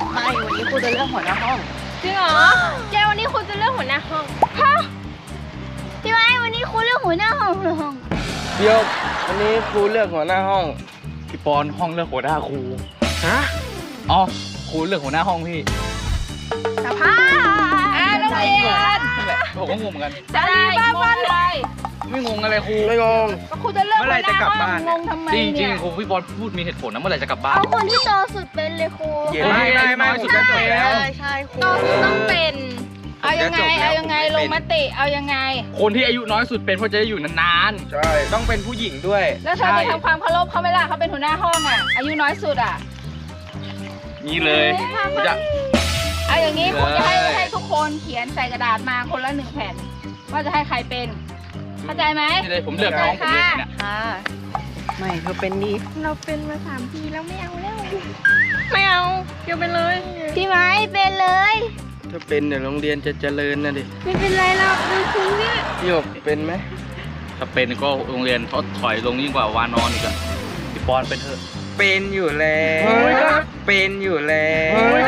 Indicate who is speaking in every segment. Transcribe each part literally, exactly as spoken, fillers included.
Speaker 1: ไม่วันนี้ครูจะเลือกหัวหน้าห้อง
Speaker 2: จริงเหรอเจวันนี้ครูจะเลือกหัวหน้าห้องฮะพี่ไม้วันนี้ครูเลือกหัวหน้าห้องหรือห้อง
Speaker 3: เดี๋ยววันนี้ครูเลือกหัวหน้าห้อง
Speaker 4: พี่ปอนห้องเลือกหัวหน้าครู
Speaker 3: ฮะ
Speaker 4: อ๋อครูเลือกหัวหน้าห้องพี่
Speaker 2: สภาอ่าโรงเรียน
Speaker 4: นั่นแหละผมก็งงเหมือนกัน
Speaker 2: จะได้บ้านบ้านอะไร
Speaker 4: ไม่งงอะไรครู
Speaker 3: ไม่งง
Speaker 2: ก็ครูจะเลือก
Speaker 3: เมื่อไหร่จะกลับบ้าน
Speaker 2: งงทำไม
Speaker 4: จริงจริ
Speaker 2: เนี่
Speaker 4: ง
Speaker 2: ย
Speaker 4: ครูพี่ปอนพูดมีเหตุผลนะเมื่อไหร่จะกลับบ้าน
Speaker 2: เอาคนที่โตสุดเป็นเลยครู
Speaker 3: เย็นไม่ไม่ไม่ผมจะจบแล้ว
Speaker 1: ใช่ใช่ครู
Speaker 2: โตสุดต้องเป็นเอายังไงเอายังไงลงมติเอายังไง
Speaker 4: คนที่อายุน้อยสุดเป็นเพราะจะได้อยู่นาน
Speaker 3: ใช่ต้องเป็นผู้หญิงด้วย
Speaker 2: แล้วเธอจะทำความเคารพเขาไหมล่ะเขาเป็นหัวหน้าห้องอ่ะอายุน้อยสุดอ่ะ
Speaker 4: ๆนี่เลยผมจะ
Speaker 2: เอาอย่างนี้ครูจะให้
Speaker 4: เลย
Speaker 2: ให้ทุกคนเขียนใส่กระดาษมาคนละหนึ่งแผ่นว่าจะให้ใครเป็นเข้าใจไหม
Speaker 4: นี่เลยผมเลือกน้องผมเลยเนี่ย
Speaker 1: ค่ะไม่เธอเป็นดี
Speaker 2: เราเป็นมาสามปีแล้วไม่เอาแล้ว
Speaker 1: ไม่เอาเกี่ยวไปเลย
Speaker 2: พี่ไม้เป็นเลย
Speaker 3: ถ้าเป็นเดี๋ยวโรงเรียนจะเจริญนะดิ
Speaker 2: ไม่เป็นไรเราดูคุณเนี่ย
Speaker 3: พี่หยกเป็นไหม
Speaker 4: ถ้าเป็นก็โรงเรียนทดถอยลงยิ่งกว่าวานอนอีกอะพี่ปอนเป็นเถอะ
Speaker 3: เป็นอยู่แล้วเป็นอยู่แล้ว
Speaker 2: ไม่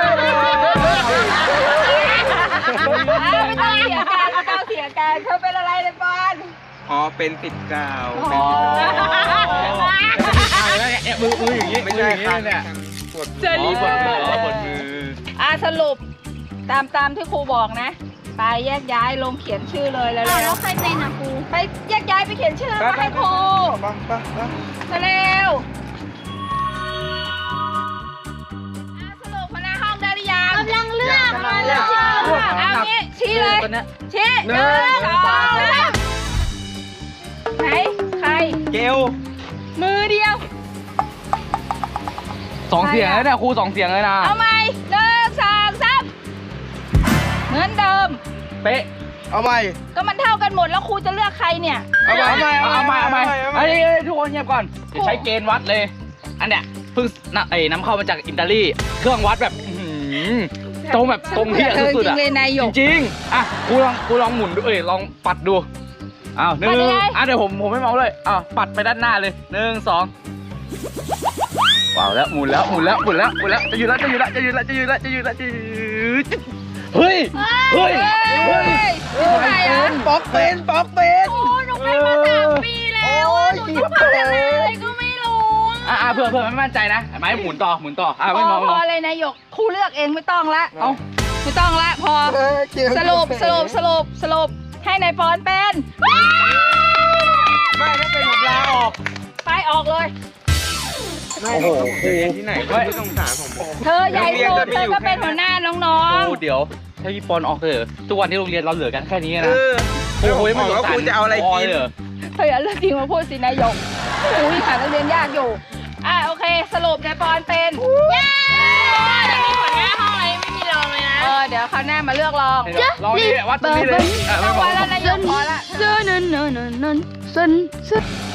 Speaker 2: ต้องเสียการไม่ต้องเสียการเขาเป็นอะไรเลยปอน
Speaker 3: อ๋อเป็นติดกาว
Speaker 2: อ๋อ
Speaker 4: เนี่ยมือมืออย่างนี้
Speaker 3: ไม่ใช่ครับ
Speaker 4: เนี่ย
Speaker 3: ปวด
Speaker 2: จะรีบ
Speaker 4: ปวดมืออ๋อปวดมือ
Speaker 2: อ่ะสรุปตามตามที่ครูบอกนะไปแยกย้ายลงเขียนชื่อเลยแล้วแล้วใครเป็นอ่ะครูไปแยกย้ายไปเขียนชื่อมาให้ครู
Speaker 3: ปังปังปัง
Speaker 2: มาเร็วอ่ะสรุปหัวหน้าห้องได้หรือยังกำลังเลือกมาเลือกเอางี้ชี้เลย
Speaker 4: คนเนี้ย
Speaker 2: ชี้หนึ่งสองสามไหนใคร
Speaker 3: เกล
Speaker 2: มือเดียว
Speaker 4: สองเสียงเลยนะครูสองเสียงเลยนะ
Speaker 2: เอาใหม่หนึ่งสองสามเหมือนเดิม
Speaker 4: เป๊ะ
Speaker 3: เอาใหม่
Speaker 2: ก็มันเท่ากันหมดแล้วครูจะเลือกใครเนี่ย
Speaker 3: เอาใหม่
Speaker 4: เอาใหม่เอาใหม่
Speaker 3: เอาใหม่
Speaker 4: เฮ้ยทุกคนเงียบก่อนจะใช้เกณฑ์วัดเลย อันเนี้ยเพิ่งนำไอ้น้ำเข้ามาจากอิตาลีเครื่องวัดแบบอื้อหือตรงแบบตรงที่สุดๆอะ
Speaker 2: จริงเลยนายหยก
Speaker 4: จริงๆอ่ะครูลองครูลองหมุนดูเอ้ยลองปัดดูอ้าวหนึ่ง
Speaker 2: ปัดยังไง
Speaker 4: อ่ะเดี๋ยวผมผมไม่เมาเลยอ้าวปัดไปด้านหน้าเลยหนึ่งสองว้าวแล้วหมุนแล้วหมุนแล้วหมุนแล้วหมุนแล้วจะอยู่แล้วจะอยู่แล้วจะอยู่แล้วจะอยู่แล้วจะอยู่แล้วจะอยู่เฮ้ยเฮ้ยเฮ้ย
Speaker 2: ใครอ่ะ
Speaker 3: ป๊อกเป็นป๊อกเป็น
Speaker 2: โอ้หนูเป็นมาสามปีแล้วอะหนูต้องทำยังไงก็ไม่รู้
Speaker 4: อ่ะอ่ะเผื่อเผื่อไม่มั่นใจนะไม้หมุนต่อหมุนต่ออ่ะ
Speaker 2: พ
Speaker 4: ไม่
Speaker 2: อ
Speaker 4: มอง
Speaker 2: พ
Speaker 4: ไม่ม
Speaker 2: อ
Speaker 4: อง
Speaker 2: เลยนายหยกครูเลือกเองไม่ต้องละ
Speaker 4: เอ้า
Speaker 2: ไม่ต้องละพอ สรุปสรุปสรุปสรุปให้นายปอนเป็น
Speaker 3: ไม่ถ้าเป็นผมลาออก
Speaker 2: ไปออกเลย
Speaker 3: โอ้โหครูที่ไหนก็ไม่สงสารผม
Speaker 2: เธอใหญ่สุดเธอก็เป็นหัวหน้าน้อง
Speaker 4: ครูเดี๋ยวถ้าพี่ปอนออกเถอะทุกวันที่โรงเรียนเราเหลือกันแค่นี้
Speaker 3: เอ
Speaker 4: นะ
Speaker 3: อ
Speaker 4: โอ้โห
Speaker 3: ไม่บอกว่าครูจะเอาอะไรกิน
Speaker 4: เลย
Speaker 2: ๆเธออย่าเลือกจริงมาพูดสินายหยกอุ้ยหานักเรียนยากอยู่อ่ะโอเค สรุปนายปอนเป็นเย้ยังมีหัวหน้าห้องอะไรไม่มีรองเลยนะเออเดี๋ยวคราวหน้ามาเลือกรอง
Speaker 4: ลองนี่วัดตรงนี้เลยอ่ะ
Speaker 2: ต้
Speaker 4: ไม่
Speaker 2: อง
Speaker 4: มอ
Speaker 2: ไว้
Speaker 4: ง
Speaker 2: แล้วนายหยกพอละ
Speaker 1: เจอนันนันนันนันสันสัน